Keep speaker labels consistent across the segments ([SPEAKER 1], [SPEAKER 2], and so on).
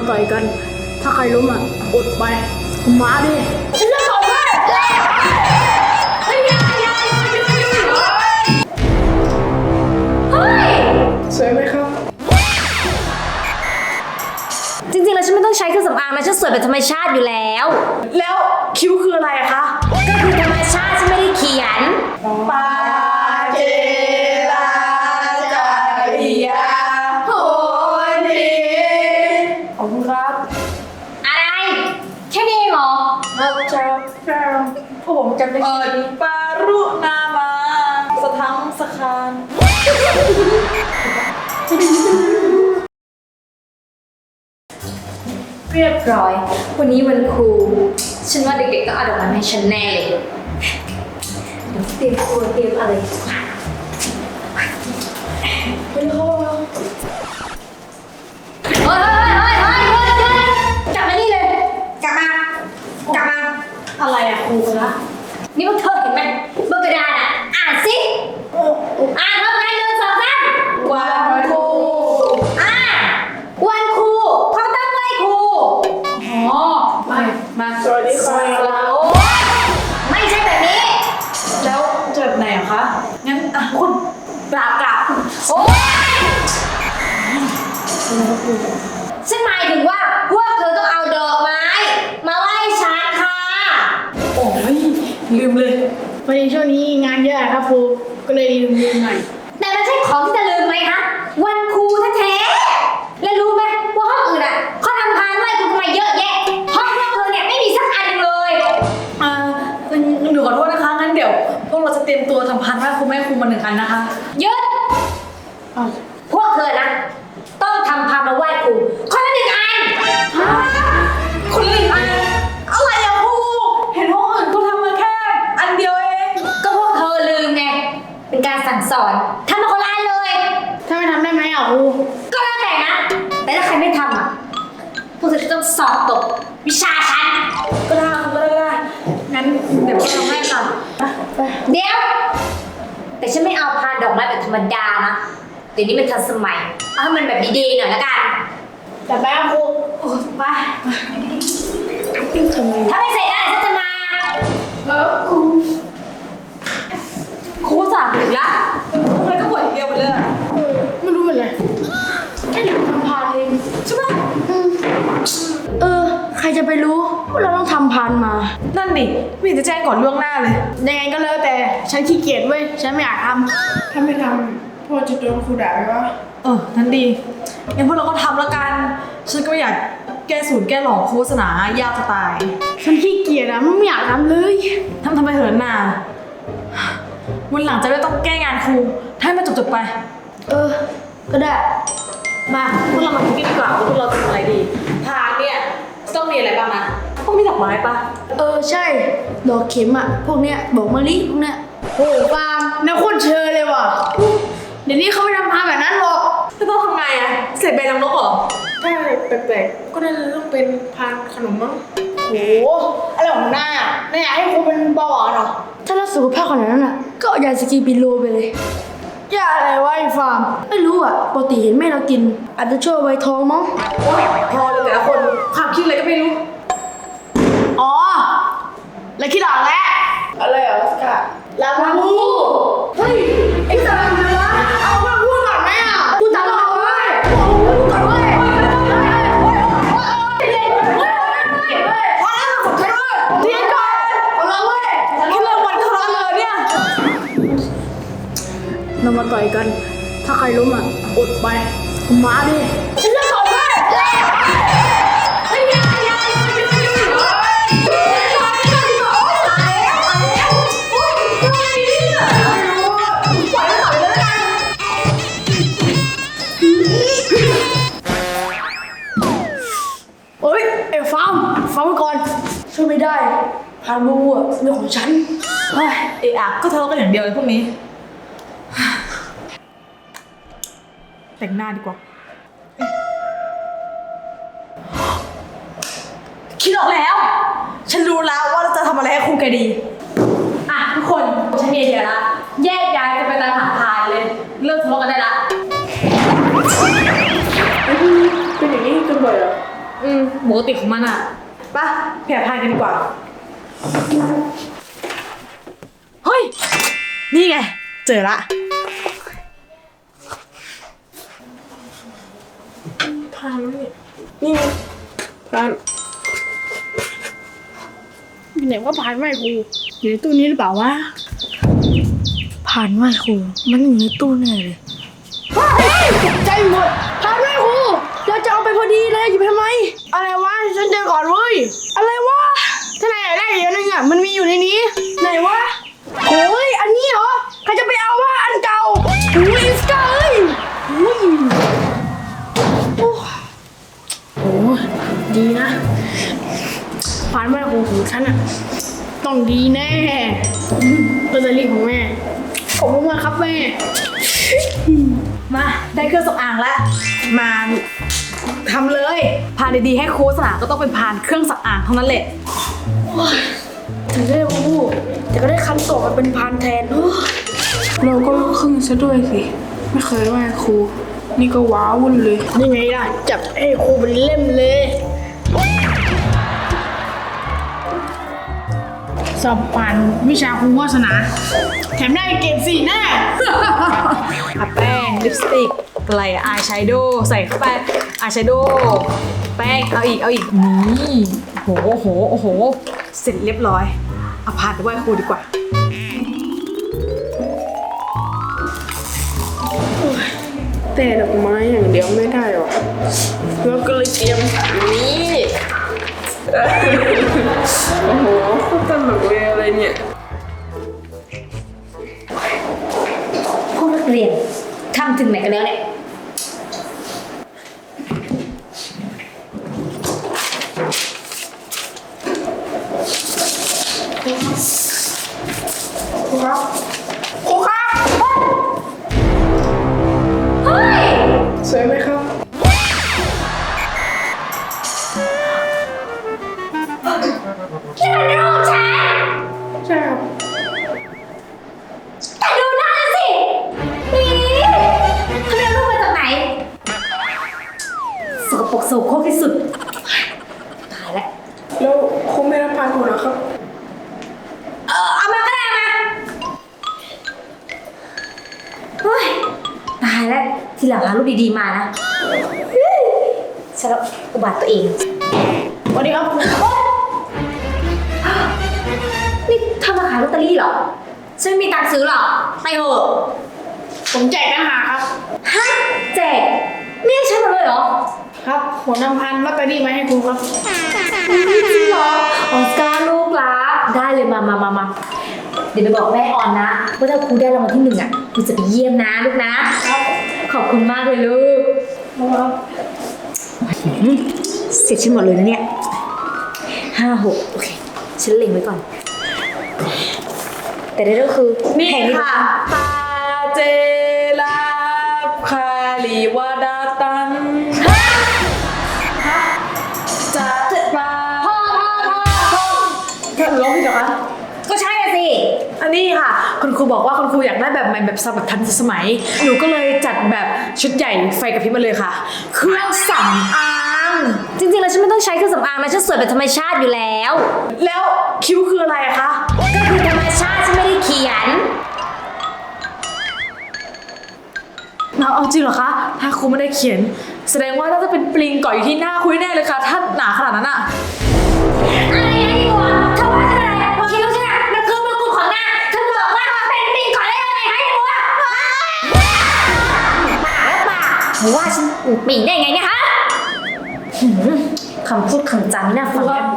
[SPEAKER 1] ต่อยกัน ถ้าใครล้มอ่ะอดไปมาดิฉันจะต่อยด้วยเฮ้ยสวยไหมครับ
[SPEAKER 2] จริงๆแล้วฉันไม่ต้องใช้เครื่องสำอางนะฉันสวยแบบธรรมชาติอยู่แล้ว
[SPEAKER 1] แล้วคิ้วคืออะไรอะคะ
[SPEAKER 2] ก็คือธรรมชาติฉันไม่ได้เขียน
[SPEAKER 1] ปาเจลาจาริยาโหดีขอบคุณครับ
[SPEAKER 2] อะไรแค่นี้เหรอ
[SPEAKER 1] พวกผมจำได้ปารุนามาสทังสคาน
[SPEAKER 2] เรียบร้อยวันนี้วันครูฉันว่าเด็กๆต้องเอาดอกไม้ให้ฉันแน่เลยเดี๋ยวเตรียมตัวเตรียมอะไรไปเลยเฮ้ยกลับมานี่เลยกลับมา
[SPEAKER 1] อะไรอะครูคะ
[SPEAKER 2] นี่พวกเธอเห็นไหมบนกระดานอ่ะอ่านสิอ่านพร้อมกัน1 2 3
[SPEAKER 1] วันครู
[SPEAKER 2] วันครูเขาต้องไหว้ครู
[SPEAKER 1] มาสวัสดีค่ะ
[SPEAKER 2] ไม่ใช่แบบนี้
[SPEAKER 1] แล้วจะแบบไหนอะคะงั้นคุณกราบ
[SPEAKER 2] โอ๊ยฉันหมายถึงว่าพวกเธอต้องเอาดอกไม้มาไหว้ฉันค่ะ
[SPEAKER 1] โอ้ยลืมเลยพอดีช่วงนี้งานเยอะครับครูก็เลยลืมหน่อย
[SPEAKER 2] แต่มันใช่ของที่จะลืมไหมคะวันครูแท้ๆแล้วรู้ไหมว่าห้องอื่นอ่ะเขาทำพานไหว้ครูทำไมเยอะแยะห้องพวกเธอเนี่ยไม่มีสักอันเลย
[SPEAKER 1] หนูขอโทษนะคะงั้นเดี๋ยวพวกเราจะเตรียมตัวทำพานไหว้ครูแม่ครูมา1 อันนะคะ
[SPEAKER 2] หยุดพวกเธอนะต้องทำพานมาไหว้ครูคนละ1 อัน
[SPEAKER 1] คนละ1 อันอะไรอะครูเห็นห้องอื่นเขาทำมาแค่อันเดียวเอง
[SPEAKER 2] ก็พวกเธอลืมไงเป็นการสั่งสอนทำมาคนละอันเลย
[SPEAKER 1] ถ้าไม่ทำได้ไหมครู
[SPEAKER 2] ก็แล้วแต่นะแต่ถ้าใครไม่ทำอ่ะพวกเธอจะต้องสอบตกวิชาฉัน
[SPEAKER 1] ก็ได้งั้นเดี๋ยวทำให้ค่ะ
[SPEAKER 2] เดี๋ยวแต่ฉันไม่เอาพานดอกไม้แบบธรรมดานะเดี๋ยวนี้มันทันสมัยเอาให้มันแบบดีๆหน่อยละกัน
[SPEAKER 1] แต่แม่ครู
[SPEAKER 2] ไปถ้าไม่เสร็จได้ฉันจะมา
[SPEAKER 1] ครูสั่งอีกละทำไมก็บ่นเดียวไปเลยไม่รู้เป็นไรแค่หนูทำพานเองใช่ไหมใครจะไปรู้ว่าเราต้องทำพานมานั่นดิไม่จะแจ้งก่อนล่วงหน้าเลยยังไงก็แล้วแต่ฉันขี้เกียจเว้ยฉันไม่อยากทำถ้าไม่ทำพ่อจะโดนครูด่าไหมวะนั่นดีงั้นพวกเราก็ทำแล้วกันฉันก็ไม่อยากแก้สูตรแก้หลอกโฆษณายากจะตายฉันขี้เกียจอะไม่อยากทำเลยทำไมเหินน่ะวันหลังจะไม่ต้องแก้งานครูให้มันจบไปก็ได้มาพวกเรามาคิดกันดีกว่าว่าพวกเราจะทำอะไรดีพานเนี่ยต้องมีอะไรบ้างนะต้องมีดอกไม้ปะใช่ดอกเข็มอะพวกเนี้ยดอกมะลิพวกเนี้ยโอ้ฟาร์มน่าโคตรเชยเลยว่ะเดี๋ยวนี้เขาไม่ทำพานแบบนั้นหรอกจะต้องทำไงอะเสร็จใบรังนกเหรอถ้าแปลกๆก็น่าจะต้องเป็นพานขนมมั้งโหอะไรของนายอะนายอยากให้ครูเป็นเบาหวานเหรอถ้าเราสุขภาพขนาดนั้นอะก็ยาสกีบิโลไปเลยยาอะไรวะไอ้ฟาร์มไม่รู้อะปกติเห็นแม่เรากินอาจจะช่วยไวท้องมั้งพอเลยแต่ละคนความคิดอะไรก็ไม่รู้แล้วคิดออกแล้วอะไรเหรอสกัดลาบูเฮ้ยไอ้สัตว์อะไรวะเอามาพูดก่อนไหมอ่ะพูดตามเราเว้ยพูดก่อนเว้ยเรามาต่อยกันถ้าใครล้มอ่ะอดไปมาดิฉันจะต่อยด้วยฟังไว้ก่อนช่วยไม่ได้พาลูอ่ะเรื่องของฉันก็ทะเลาะกันอย่างเดียวเลยพวกนี้แต่งหน้าดีกว่าคิดออกแล้วฉันรู้แล้วว่าเราจะทำอะไรให้ครูแกดีทุกคนฉันมีไอเดียละแยกย้ายกันไปตามหาพานเลยเลิกทะเลาะกันได้ละเป็นอย่างนี้กันบ่อยเหรอ
[SPEAKER 3] ปกติของมันอ่ะไปแผ่พานกันดีกว่าเฮ้ยนี่ไงเจอละ
[SPEAKER 1] พานนี่ไงพานอยู่ไหนว่าพานไหว้ครูอยู่ในตู้นี้หรือเปล่าวะพานไหว้ครูมันอยู่ในตู้แน่เลยใจหมดพานไหว้ครูเราจะเอาไปพอดีเลยหยิบทำไมอะไรวะฉันเจอก่อนเว้ยอะไรวะถ้านายอยากได้อีกอันนึงอ่ะมันมีอยู่ในนี้ไหนวะโอ้ยอันนี้เหรอใครจะไปเอาวะอันเก่าโอ้ยอิสกาเอ้ยโอ้ดีนะพานไหว้ครูของฉันอ่ะต้องดีแน่ลอตเตอรี่ของแม่ขอบคุณมากครับแม่
[SPEAKER 3] มาได้เครื่องสำอางแล้วมาทำเลยพานดีๆให้ครูสนาก็ต้องเป็นพานเครื่องสำอางเท่านั้นแหละ
[SPEAKER 1] ถึงได้พูดแต่ก็ได้คันโตมาเป็นพานแทน
[SPEAKER 4] เราก็ลูกครึ่งซะด้วยสิไม่เคยไหว้ครูนี่ก็ว้าวุ่นเลย
[SPEAKER 1] นี่ไงล่ะจับให้ครูเป็นเล่มเลยสอบผ่านวิชาครูวาสนาแถมได้เกรด4แน่
[SPEAKER 3] อะแป้งลิปสติกอะไรอายแชโดว์ใส่เข้าไปอายแชโดว์แป้งเอาอีกนี่โอ้โหเสร็จเรียบร้อยเอาพานไปไหว้ครูดีกว่า
[SPEAKER 4] แต่ดอกไม้อย่างเดียวไม่ได้หรอกเราก็เลยเตรียมอันนี้โอ้โหโคตรตลกเลยอะไรเนี่ย
[SPEAKER 2] พวกนักเรียนทำถึงไหนกันแล้วเนี่ย
[SPEAKER 1] ครูครับครูครับ
[SPEAKER 2] เฮ้ย
[SPEAKER 4] สวยไหมครับ
[SPEAKER 2] นี่มันรูปฉัน
[SPEAKER 4] ใช่ครับ
[SPEAKER 2] แต่ดูหน้าสินี่เธอเอารูปมาจากไหนสกปรกโสโครกที่สุดตายแล้ว
[SPEAKER 4] แล้วครูไม่รับพานครูเหรอครับ
[SPEAKER 2] เอามาก็ได้มาเฮ้ยตายแล้วทีหลังหารูปดีๆมานะฉันแล้วอุบัติตัวเอง
[SPEAKER 1] สวัสดีครับ
[SPEAKER 2] นี่เธอมาขายลอตเตอรี่เหรอฉันไม่มีตังค์ซื้อหรอกไปเถอะ
[SPEAKER 1] ผมแจกอาหารครับ
[SPEAKER 2] ฮะแจกนี่ให้ฉันหมดเลยเหรอ
[SPEAKER 1] ครับผมนำพันลอตเตอรี่มาให้ครูครับ
[SPEAKER 2] จริงเหรอออสการ์ลูกรักได้เลยมาเดี๋ยวไปบอกแม่ออนนะว่าถ้าครูได้รางวัลที่1อ่ะครูจะไปเยี่ยมนะลูกนะครับขอบคุณมากเลยลูกเสร็จฉันหมดเลยนะเนี่ย5-6โอเคฉันเล็งไว้ก่อนแต่ได้ก็คือ
[SPEAKER 3] นี่
[SPEAKER 2] แผงนี้
[SPEAKER 3] ค่ะตาเจลาคาลีวาดาตันจะปลาแค่ร้องพี่เหรอคะ
[SPEAKER 2] ก็ใช่อะสิ
[SPEAKER 3] อันนี้ค่ะคุณครูบอกว่าคุณครูอยากได้แบบใหม่แบบทันสมัยหนูก็เลยจัดแบบชุดใหญ่ไฟกระพริบมาเลยค่ะเครื่องสำอาง
[SPEAKER 2] จริงๆแล้วฉันไม่ต้องใช้เครื่องสำอางนะฉันสวยแบบธรรมชาติอยู่แล้ว
[SPEAKER 3] แล้วคิ้วคืออะไรอะคะ
[SPEAKER 2] ก็คือธรรมชาติฉันไม่ได้เขียน
[SPEAKER 3] เอาจริงเหรอคะถ้าครูไม่ได้เขียนแสดงว่าน่าจะเป็นปลิงเกาะอยู่ที่หน้าคุยแน่เลยค่ะถ้าหนาขนาดนั้นอะ
[SPEAKER 2] อะไรนะอีกวะเธอว่าฉันอะไรคิดว่าฉันอะมันคือมงกุฎของหน้าเธอบอกว่าเป็นปิงก่อนได้ยังไงให้อีกวะบ้าแล้วบ้าว่าฉันปิงได้ไงเนี่ยฮะคำพูดคำจาไม่น่าฟังกัน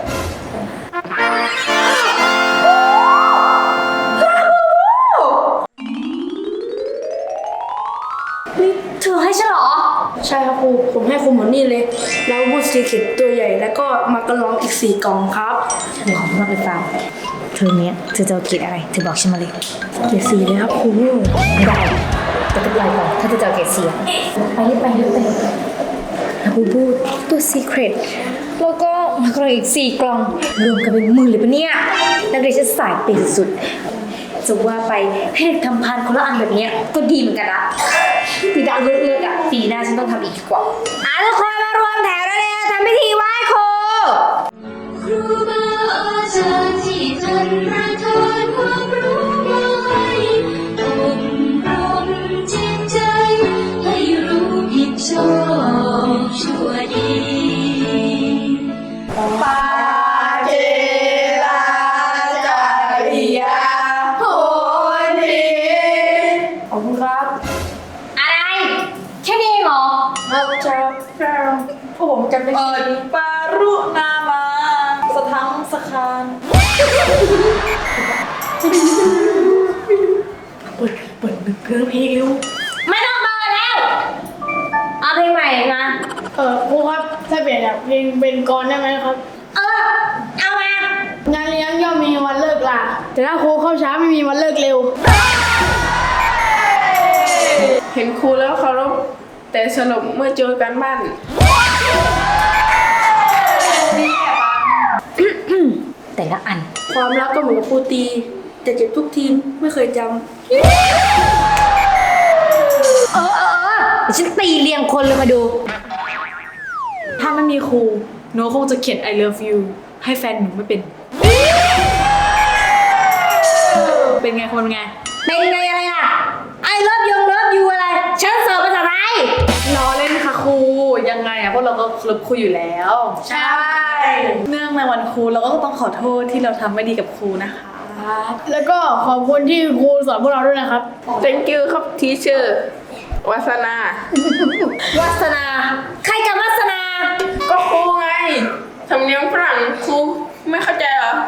[SPEAKER 2] นี่เธอให้ฉันเหรอ
[SPEAKER 1] ใช่ครับครูผมให้ครูหมดนี่เลย แล้วบูสซีเข็ดตัวใหญ่แล้วก็มากระลองอีก4 กล่องครับ
[SPEAKER 2] เธอของมากเลยฟาร์มเธอเนี้ยเธอจะเอาเกรดอะไรเธอบอกฉันมาเลย
[SPEAKER 1] เข็ด4เลยครับครู
[SPEAKER 2] ไม่ได้แต่ก็ปล่อยก่อนถ้าเธอจะเอาเกรดเสียไปรีบไปแล้วบูบูตัวซีเครตแล้วก็มากรองอีก4 กล่องรวมกันเป็น10,000เลยปะเนี่ยนักเรียนฉันสายเปย์สุดจะว่าไปให้เด็กทำพานคนละอันแบบเนี้ยก็ดีเหมือนกันนะปีดาเลิศๆอ่ะปีหน้าฉันต้องทำอีกดีกว่าทุกคนมารวมแถวแล้วเนี่ยทำพิธีไหว้
[SPEAKER 3] ำคาญเปิดเพลงเร็ว
[SPEAKER 2] ไม่ต้องเบอร์แล้ว เอาเพลงใหม่มา
[SPEAKER 1] ครูครับถ้าเปลี่ยนจากเพลงเป็นกรได้ไหมครับ
[SPEAKER 2] เอามา
[SPEAKER 1] งานเลี้ยงย่อมมีวันเลิกลาแต่ถ้าครูเข้าช้าไม่มีวันเลิกเร็ว
[SPEAKER 4] เห็นครูแล้วเคารพแต่สลบเมื่อเจอกันบ้าน
[SPEAKER 2] แต่ละอัน
[SPEAKER 4] ความรักก็เหมือนกับครูตีแต่เจ็บทุกทีไม่เคยจำ
[SPEAKER 2] เดี๋ยวฉันตีเรียงคนเลยมาดู
[SPEAKER 3] ถ้าไม่มีครูหนูคงจะเขียน I love you ให้แฟนหนูไม่เป็น เป็นไงคนไง
[SPEAKER 2] เป็นไงอะไรอ่ะ I love you อะไร ฉันสอบภาษาไทย
[SPEAKER 3] ล้อเล่นค่ะครู ยังไงอะพวกเราก็เคารพครูอยู่แล้ว
[SPEAKER 1] ใช่
[SPEAKER 3] เนื่องในวันครูเราก็ต้องขอโทษที่เราทำไม่ดีกับครูนะคะ
[SPEAKER 1] แล้วก็ขอบคุณที่ครูสอนพวกเราด้วยนะครับ
[SPEAKER 4] thank you ครับทีเชอร์วาสนา
[SPEAKER 2] วัสนา ใครกับวัสนา
[SPEAKER 4] ก็ครูไงสำเนียงฝรั่งครูไม่เข้าใจเหรอ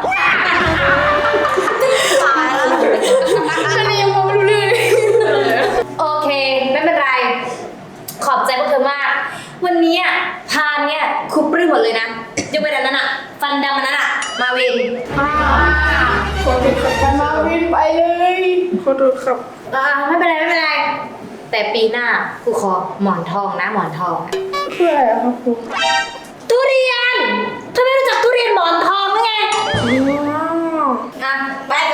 [SPEAKER 1] ฉันยังมองไม่รู้เรื่องเลย
[SPEAKER 2] โอเค ไม่เป็นไร ขอบใจพวกเธอมาก วันนี้อ่ะพานเนี่ยครูปลื้มหมดเลยนะยกเว้นอันนั้นอ่ะ ฟันดำอันนั้นอ่ะ มาวิน
[SPEAKER 4] ขอโทษครับ
[SPEAKER 1] กันมาวินไปเลย
[SPEAKER 4] ขอโทษครับ
[SPEAKER 2] ไม่เป็นไรไม่เป็นไร แต่ปีหน้าครูขอหมอนทองนะหมอนทอง
[SPEAKER 4] เพื่ออะไรครับครู
[SPEAKER 2] ทุเรียนเธอไม่รู้จักทุเรียนหมอนทองหรือไง
[SPEAKER 4] อ๋อ
[SPEAKER 2] อ่ะไป